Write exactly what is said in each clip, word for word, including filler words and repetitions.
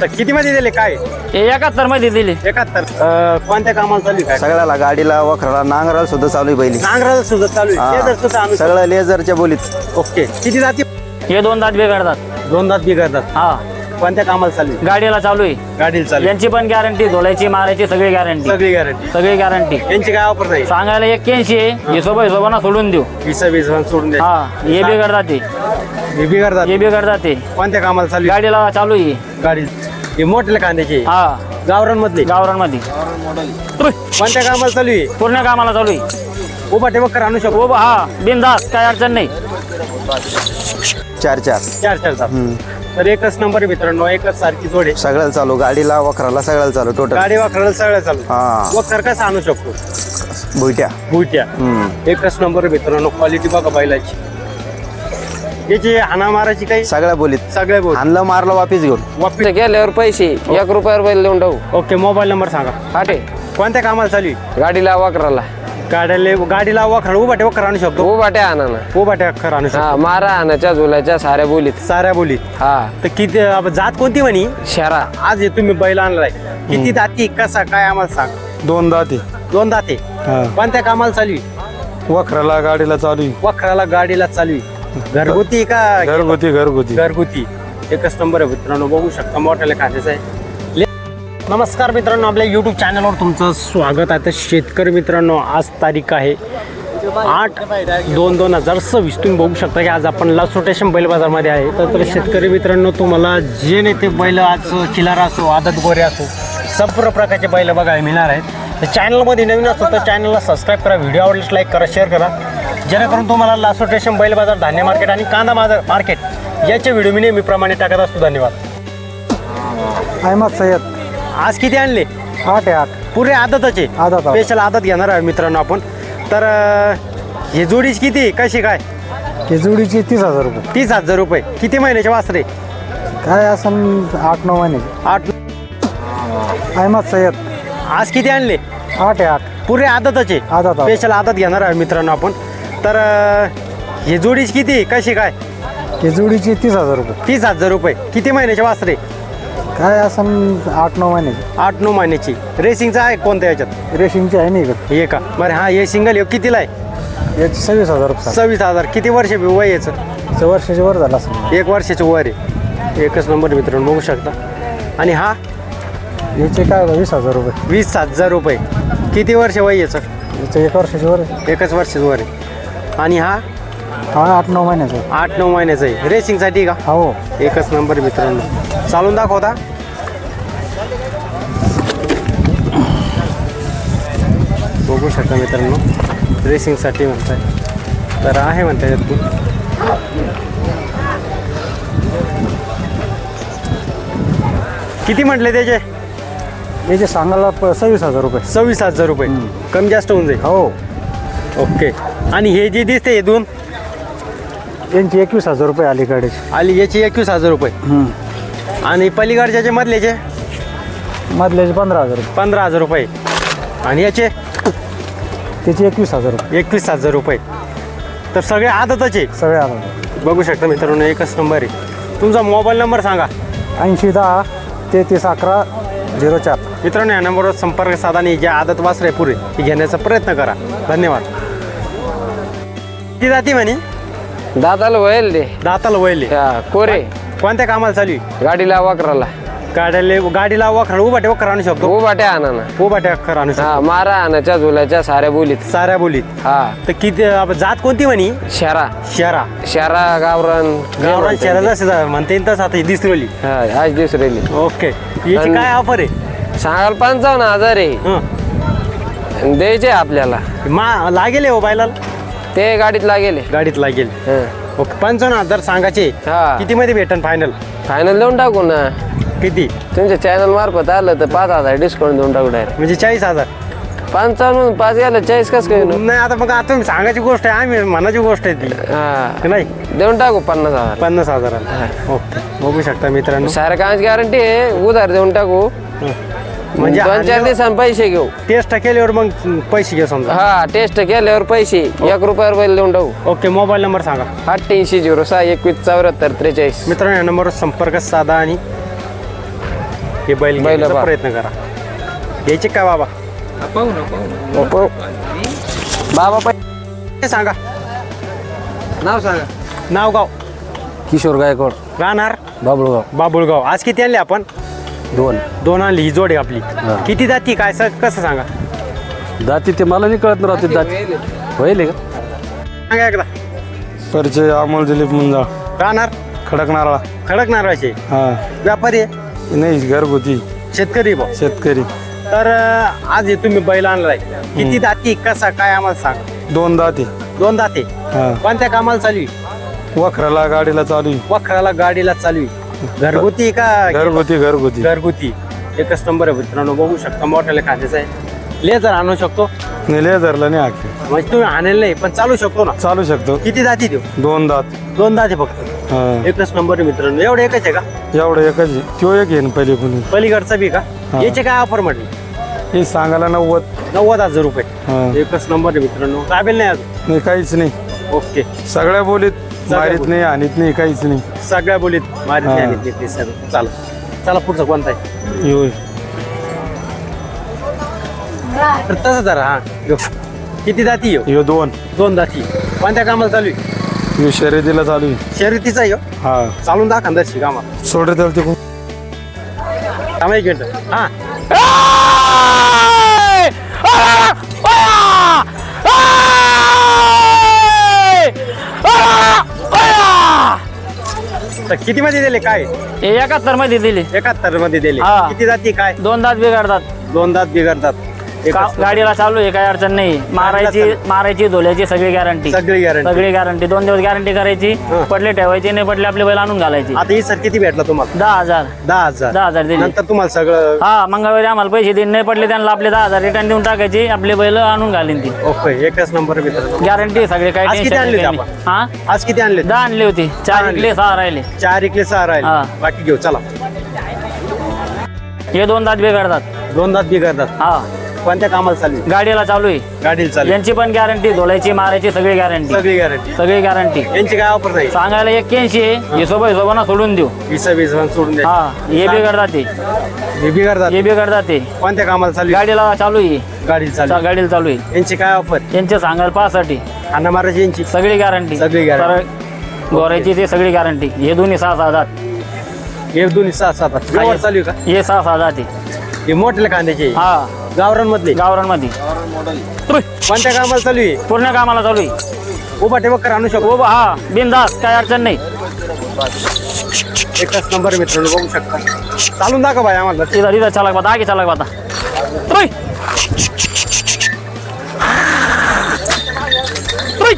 पुस्तक किती मध्ये दिले काय? एकाहत्तर मध्ये दिली. एकाहत्तर. कोणत्या कामाला चालू आहे काय? सगळ्याला गाडीला वखराला नांगराला सुद्धा चालू आहे बैली. नांगराला सुद्धा चालू आहे. लेझर सुद्धा आणू शकतो. सगळं लेझरच्या बोलीत. ओके. किती जाती? हे दोन दात बिघडतात. दोन दात बिघडतात. हा. कोणत्या कामाला चालू आहे? गाडीला चालू आहे. गाडीला चालू आहे. यांची पण गॅरंटी, धुलायची मारायची सगळी गॅरंटी. सगळी गॅरंटी. सगळी गॅरंटी. यांची काय ऑफर नाही? सांगायला एक्क्याऐंशी आहे. हिशोबा हिशोबाना सोडून देऊ. वीस वीस सोडून द्या. हा. हे बिघडतात ते. हे बिघडतात. हे बिघडतात ते. कोणत्या कामाला चालू आहे? गाडीला चालू आहे. गाडी हे मोठ्या कांद्याची. हा. गावरान मधले. गावरान मध्ये. कोणत्या कामाला चालू आहे? पूर्ण कामाला चालू आहे. उभा ठेवकर आणू शकतो. हो हा. बिनधास्त, काय अडचण नाही. चार चार चार चार तास. तर एकच नंबर आहे मित्रांनो, एकच सारखी जोडे. सगळ्याला चालू, गाडीला वखराला सगळ्याला चालू टोटल. गाडी वाकडायला सगळं चालू. हा. वखर कसं आणू शकतो? भुईट्या. बुट्या. एकच नंबर आहे मित्रांनो, क्वालिटी बघा बैलाची. याची हाना मारायची काही सगळ्या बोलीत. सगळ्या बोल. आणलं मारलं वापिस घेऊन. वापस. गेल्यावर पैसे एक रुपयावर बैल देऊन टाकू. ओके. मोबाईल नंबर सांगा. हाटे कोणत्या कामाला चालू आहे? गाडीला वाकराला गाड्याला गाडीला वखर उभा ठेवकर आणू शकतो. उभाट्या आणा ना. उभा ठेवकर आणू शकतो. हा. मारा आणाच्या झुलाच्या साऱ्या बोलीत. साऱ्या बोली. हा. तर किती अब जात कोणती म्हणी? शरा. आज हे तुम्ही बैल आणलाय, किती दाती कसा काय आम्हाला सांग. दोन दाते. दोन दाते. कोणत्या कामाला चालू आहे? वखराला गाडीला चालू आहे. वखराला गाडीला चालू आहे. घरगुती का? घरगुती घरगुती घरगुती. एकच नंबर आहे मित्रांनो, बघू शकता मोठ्याला खात्याचं आहे. ले- नमस्कार मित्रांनो, आपल्या यूट्यूब चॅनलवर तुमचं स्वागत आहे. तर शेतकरी मित्रांनो, आज तारीख आहे आठ दोन दोन हजार सव्वीस. तुम्ही बघू शकता की आज आपण लासोटेशन बैल बाजारमध्ये आहे. तर तर शेतकरी मित्रांनो, तुम्हाला जे नाही ते बैल आज खिलार असो, आदत गोरे असो, संपूर्ण प्रकारचे बैल बघायला मिळणार आहेत. तर चॅनलमध्ये नवीन असतो तर चॅनलला सबस्क्राईब करा, व्हिडिओ आवडल्यास लाईक करा, शेअर करा, जेणेकरून तुम्हाला लासोटेशन बैल बाजार, धान्य मार्केट आणि कांदा बाजार मार्केट याचे व्हिडिओ मी नेहमीप्रमाणे टाकत असतो. धन्यवाद. अहमद सय्यद. आज किती आणले? आठ आहे आठ. पुरे आदतचे. आदत. स्पेशल आदत घेणार आहे मित्रांनो आपण. तर अं, हे जोडीच किती कशी काय? ही जोडीची तीस हजार रुपये. तीस हजार रुपये. किती महिन्याचे वासरे? काय असं आठ नऊ महिन्याचे. आठ. अहमद सय्यद. आज किती आणले? आठ आहे आठ. पुरे आदतचे. आदत. स्पेशल आदत घेणार आहे मित्रांनो आपण. तर अं, हे जोडीच किती कशी काय? ही जोडीची तीस हजार रुपये. तीस हजार रुपये. किती महिन्याचे वासरे? काय असं आठ नऊ महिन्याचे. आठ नऊ महिन्याची. रेसिंगचा आहे कोणत्या याच्यात? रेशिंगची आहे नाही का? हे का बरं. हा, हे सिंगल हे कितीला आहे? याची सव्वीस हजार रुपये. सव्वीस हजार. किती वर्ष वय याचं? चं वर्षाची वर झाला असं. एक वर्षाचं वर आहे. एकच नंबर मित्रांनो, बघू शकता. आणि हा याचे काय वीस हजार रुपये. वीस हजार रुपये. किती वर्ष वय याचं? याचं एक वर्षाची वर आहे. एकच वर्षाचं वर आहे. आणि हा हा आठ नऊ महिन्याचा. आठ नऊ महिन्याचा आहे. रेसिंगसाठी का? हो. एकच नंबर मित्रांनो. चालून दाखवता. बघू शकता मित्रांनो, रेसिंगसाठी म्हणताय तर आहे म्हणताय यात तू. किती म्हटले त्याचे? याचे सांगायला प- सव्वीस हजार रुपये. सव्वीस हजार रुपये. कमी जास्त होऊन जाईल. हो. ओके. आणि हे जे दिसते हे दोन यांची एकवीस हजार रुपये अलीकडे. आली याची एकवीस हजार रुपये. आणि पलीकडच्याचे मधल्याचे मधल्याचे पंधरा हजार रुपये. पंधरा हजार रुपये. आणि याचे त्याची एकवीस हजार रुपये. एकवीस हजार रुपये. तर सगळे आदतचे. सगळे आलं. बघू शकता मित्रांनो, एकच नंबर आहे. तुमचा मोबाईल नंबर सांगा. ऐंशी दहा तेहतीस अकरा झिरो चार. मित्रांनो, या नंबरवर संपर्क साधा आणि जे आदत वासरे पुरे ती घेण्याचा प्रयत्न करा. धन्यवाद. ती जाती म्हणे दादाला वळेल दे. दाताला वळले. हा, कोरे. कोणत्या कामाला चालू आहे? गाडीला वाकराला. गाड्याला गाडीला वखर उभा ठेवकर आणू शकतो. उभाट्या आणा ना. उभा ठेवकर आणू शकतो. हा. मारा आणाच्या झुलाच्या साऱ्या बोलीत. साऱ्या बोलीत. हा. तर किती अब जात कोणती म्हणी? शरा. शहरा. शरा गावरान गावरान शहरा जसं म्हणता येईल तसं आता ही दिसरवली. हा. आज दुसरेली. ओके. याची आणि- काय ऑफर आहे? सांगाल पंचावन्न हजार आहे. हं. द्यायचे आपल्याला. मा लागेल हो बायला. ते गाडीत लागेल. गाडीत लागेल. हा. ओके. पंचावन्न हजार सांगायचे. हा. किती मध्ये भेटन फायनल? फायनल देऊन टाकू ना. किती? तुमच्या चॅनल मार्फत आलं तर पाच हजार डिस्काउंट देऊन टाकू डायरेक्ट. म्हणजे चाळीस हजार. पंचावन्न पाच गेलं चाळीस कसं काय होईल? नाही आता मग आता तुम्ही सांगायची गोष्ट आहे, आम्ही मनाची गोष्ट आहे ती. हा. नाही देऊन टाकू पन्नास हजार. पन्नास हजाराला. ओके. बघू शकता मित्रांनो. साऱ्या कामाची गॅरंटी आहे. उधार देऊन टाकू. म्हणजे दोन चार दिवसांनी पैसे घेऊ. टेस्ट केल्यावर मग पैसे घे समजा. हा. टेस्ट केल्यावर पैसे एक रुपयावर बैल देऊन टाकू. ओके. मोबाईल नंबर सांगा. अठ्ठ्याऐंशी झिरो सहा एकवीस चौऱ्याहत्तर त्रेचाळीस. मित्रांनो, या नंबरवर संपर्क साधा आणि हे बैल बैल घेण्याचा पहा. प्रयत्न करा. घ्यायचे काय बाबा? बाबा पाय हे सांगा नाव सांगा. नाव गाव. किशोर गायकवाड राहणार बाबुळगाव. बाबुळगाव. आज किती आणले आपण? दोन दोन आणली. ही जोड आहे आपली. किती जाती काय स- कसं सांगा दाती ते मला नाही कळत राहते दाती होईल का? सांगा एकदा. परिचय अमोल दिलीप मुंजा राहणार खडक नारळा. खडक नारळाचे हा व्यापारी आहे, नाही घरगुती शेतकरी भाऊ. शेतकरी. तर अं, आज हे तुम्ही बैल आणलाय. किती दाती कसा काय आम्हाला सांग. दोन दाते. दोन दाते. हा कोणत्या कामाला चालू आहे? वखराला गाडीला चालू आहे. वखराला गाडीला चालू आहे. घरगुती का घरगुती घरगुती घरगुती. एकच नंबर आहे मित्रांनो, बघू शकता मोठ्याला खांद्याचा आहे. लेझर आणू शकतो नेले धरला नाही आखी म्हणजे तुम्ही आणेल नाही पण चालू शकतो ना. चालू शकतो. किती जाती देऊ? दोन दात. दोन दाते फक्त. हा एकच नंबर आहे मित्रांनो. एवढं एकच आहे का? एवढं एकच आहे. तो एक येईन पहिले कोणी. पलीकडचा बी का? हा. याचे काय ऑफर म्हटली? हे सांगायला नव्वद. नव्वद हजार रुपये. हा एकच नंबर आहे मित्रांनो. काबेल नाही अजून. नाही काहीच नाही. ओके. सगळ्या बोलीत मारीत बोलीत. नाही आणीत नाही काहीच नाही. सगळ्या बोलीत मारित हा. नाही आणि ते सगळं. चला चला पुढचं कोणता आहे? होय. तर तसं जरा हा यो. किती जाती येऊ? ह्यो दोन. दोन जाती. कोणत्या कामाला चालू आहे? ह्यो शर्यतीला चालू आहे. शर्यतीचा येऊ. हा चालून दाखवा दर्शी कामाला. सोड रे त्याला तिकडून. थांबा एक मिनिट. हा तर किती मध्ये दिले काय? हे एकाहत्तर मध्ये दिली. एकाहत्तर मध्ये दिले. हा. किती जाती काय? दोन दात बिघडतात. दोन दात बिघडतात. का- एकच. गाडीला चालू आहे, काही अडचण नाही. मारायची मारायची धुल्याची सगळी गॅरंटी. सगळी गॅरंटी. सगळी गॅरंटी. दोन दिवस गॅरंटी करायची. हा. पडले ठेवायचे, नाही पडले आपले बैल आणून घालायचे. आता ही सर किती भेटला तुम्हाला? दहा हजार दहा हजार. दहा हजार दिले. नंतर तुम्हाला सगळं हा मंगळवारी आम्हाला पैसे देणे नाही पडले, त्यांना आपले दहा हजार रिटर्न देऊन टाकायचे. आपले बैल आणून घालीन ती. ओके. एकच नंबर मित्रांनो. गॅरंटी सगळे काही आज किती टेन्शन आणले नाही. होते हा आज किती आणले? दहा आणले होते. चार आणले. इकले सहा राहिले. चार इकले सहा हा. राहिले. बाकी घेऊ चला. हे दोन दात बिघडतात. दोन दात बिघडतात. हा कोणत्या कामाला चालू आहे? गाडीला चालू आहे. गाडीला चालू आहे. यांची पण गॅरंटी धुलायची मारायची सगळी गॅरंटी. सगळी गॅरंटी. सगळी गॅरंटी. यांची काय ऑफर नाही? सांगायला एक्क्याऐंशी आहे. हिशोबा हिशोबाना सोडून देऊ. वीस वीस सोडून द्या. हा हे बिघडतात ते. हे बिघडतात. हे बिघडतात ते. कोणत्या कामाला चालू आहे? गाडीला चालू आहे. गाडीला चालू चा- आहे. गाडीला चालू आहे. यांची काय ऑफर? यांचे सांगायला पाहासाठी अण्णा महाराज यांची सगळी गॅरंटी. सगळी guarantee. गोरायची ते सगळी गॅरंटी. हे दोन्ही सहा सहा दात. हे दोन्ही सहा सात व्यवहार चालू आहे का? हे सहा सहा दात आहे. हे मोठे कांद्याचे हा गावरान मधले गावरांमध्ये कोणत्या कामाला चालू आहे? पूर्ण कामाला चालू आहे. उभा ठेवकर आणू शकतो. हो हा बिनधास्त काही अडचण नाही. एकच नंबर मित्रांनो, बघू शकता. चालून दाखवा भाई आम्हाला. इधर इधर चालक बाता आगे चालक बाता. तुई. तुई.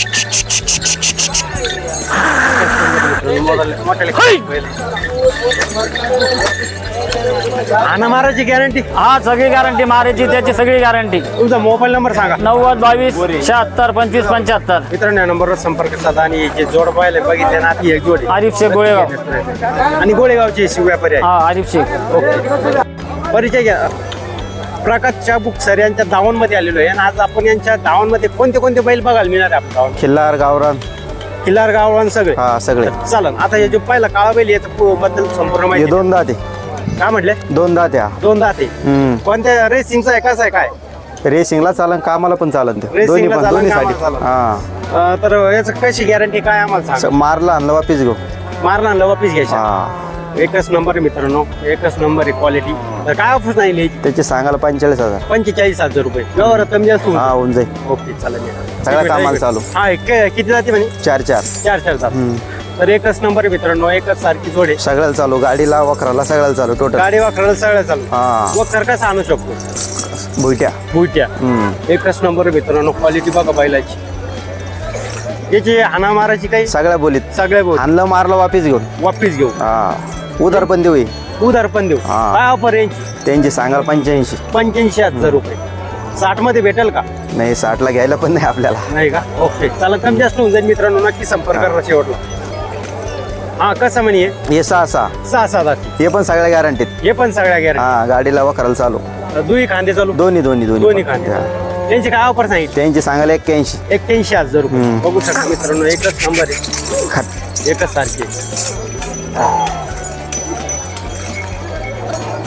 अण्णा महाराजची गॅरंटी. हा सगळी गॅरंटी मारायची त्याची सगळी गॅरंटी. तुमचा मोबाईल नंबर सांगा. नव्वद बावीस शहात्तर पंचवीस पंच्याहत्तर. मित्रांनो या नंबरवर संपर्क साधा आणि जे जोड पाहिले बघितले ना ती एक जोड आहे. आरिफ शेख गोळेगाव. आणि गोळेगावचे शिव व्यापारी आहे. हा आरिफ शेख. ओके. परिचय घ्या. प्रकाश चाबुक सर यांच्या दावणमध्ये आलेलो आहे आणि आज आपण यांच्या दावणमध्ये कोणते कोणते बैल बघायला मिळणार आहे? आपण दावण खिल्लार गावरान. किल्लार गावरान सगळे. हा सगळे. चालन. आता हे जो पहिला काळा बैल याच्या पु- बद्दल संपूर्ण हे माहिती दोन दाते. काय म्हटले? दोन दाते हा. दोन दाते. हम्म. कोणत्या रेसिंगचा आहे कसं आहे काय? रेसिंगला चालन कामाला पण चालन ते Racing दोन्ही ला पण चालन, दोन्ही कामाला साठी चालन. हा अं, तर याचं कशी गॅरंटी काय आम्हाला स- सांग. मारला आणलं वापिस घेऊ. मारला आणलं वापिस घ्यायचा. हा एकच नंबर आहे मित्रांनो, एकच नंबर आहे क्वालिटी. तर काय ऑफर नाही लिहायची? त्याचे सांगायला पंचेचाळीस हजार. पंचेचाळीस हजार रुपये व्यवहार कमी जास्त होऊन हा जाईल. होऊन जाईल. ओके चालेल. सगळ्या कामाला चालू. हा एक- किती जाते म्हणे? चार चार. चार चार जात. तर एकच नंबर आहे मित्रांनो, एकच सारखी जोडे. सगळ्याला चालू गाडीला वखराला सगळ्याला चालू टोटल. गाडी वाकडायला सगळ्या चालू. हा व कसं आणू शकतो? भुईट्या. बुट्या. हम्म. एकच नंबर आहे मित्रांनो, क्वालिटी बघा बैलाची. याची हाना मारायची काही सगळ्या बोलीत सगळ्या बोल आणलं मारलं वापिस घेऊन. वापिस घेऊ. हा उधार पण देऊ. उधार पण देऊ. हा. काय ऑफर यांची? त्यांची सांगाल पंच्याऐंशी. पंच्याऐंशी हजार रुपये. साठ मध्ये भेटेल का? नाही साठला घ्यायला पण नाही आपल्याला. नाही का? ओके चला, कमी जास्त होऊन जाईल मित्रांनो, नक्की संपर्क करा शेवटला. हा कसं म्हणे? हे सहा सहा. सहा सहा जाती. हे पण सगळ्या गॅरंटीत. हे पण सगळ्या गॅरंटी. हा गाडीला वखराला चालू. दुई खांदे चालू. दोन्ही दोन्ही दोन्ही दोन्ही खांदे. हा. त्यांची काय ऑफर सांगितली? त्यांची सांगायला एक्क्याऐंशी. एक्क्याऐंशी हजार रुपये. हम्म. बघू शकता मित्रांनो, एकच नंबर आहे, खात. एकच सारखे.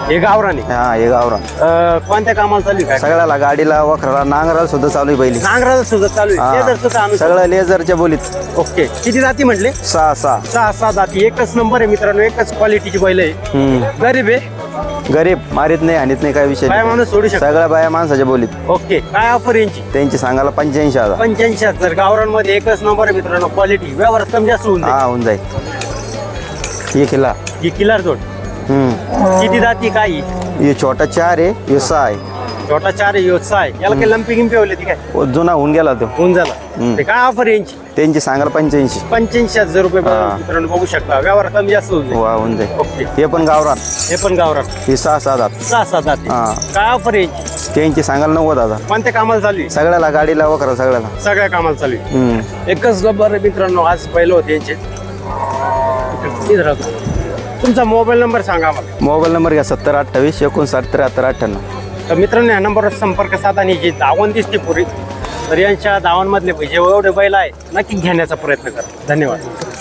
हे गावराने हा हे गावरान अं, कोणत्या कामाला चालू आहे काय सगळ्याला गाडीला वखराला नांगराला सुद्धा चालू आहे बैली नांगराला सुद्धा चालू आहे लेदर सुद्धा हा आणून सगळं लेझरच्या बोलीत ओके किती जाती म्हटले सहा सहा सहा सहा जाती एकच नंबर आहे मित्रांनो एकच क्वालिटीची बैल आहे हम्म. गरीब आहे गरीब मारीत नाही हानीत नाही काय विषय बाया नाही. माणूस सोडू शकतो. सगळ्या बाया माणसाच्या बोलीत ओके काय ऑफर यांची त्यांची सांगायला पंच्याऐंशी हजार पंच्याऐंशी हजार गावरांमध्ये एकच नंबर आहे मित्रांनो क्वालिटी व्यवहारात कमी जास्त होऊन हा होऊन जाईल हे किल्ला जाईल ही किल्लार जोड हम्म किती जाती काय ही? हे छोटा चार आहे हे सहा आहे छोटा चार आहे योत्सा आहे याला काही लंपी गिंपी होले ती काय ओ, जुना होऊन गेला तो होऊन झाला हम्म. ते काय ऑफर यांची त्यांची सांगायला पंच्याऐंशी पंच्याऐंशी हजार रुपये हा. मित्रांनो बघू शकता व्यवहार कमी जास्त होऊन जाईल वा होऊन जाईल ओके हे पण गावरान हे पण गावरान हे सहा सहा हजार सहा सहा जाती हा. काय ऑफर यांची त्यांची सांगायला नव्वद हजार कोणत्या कामाला चालू आहे सगळ्याला गाडीला वखरा सगळ्याला सगळ्या कामाला चालू आहे हम्म एकच नंबर आहे मित्रांनो आज पहिलं होते यांचे इथं राहतो. तुमचा मोबाईल नंबर सांगा मला मोबाईल नंबर घ्या सत्तर अठ्ठावीस एकोणसाठ त्र्याहत्तर अठ्ठ्याण्णव तर मित्रांनो या नंबरवर संपर्क साधा आणि जी दावण दिसते पुरी तर यांच्या दावणमधले जे एवढे बैल आहे नक्की घेण्याचा प्रयत्न करा धन्यवाद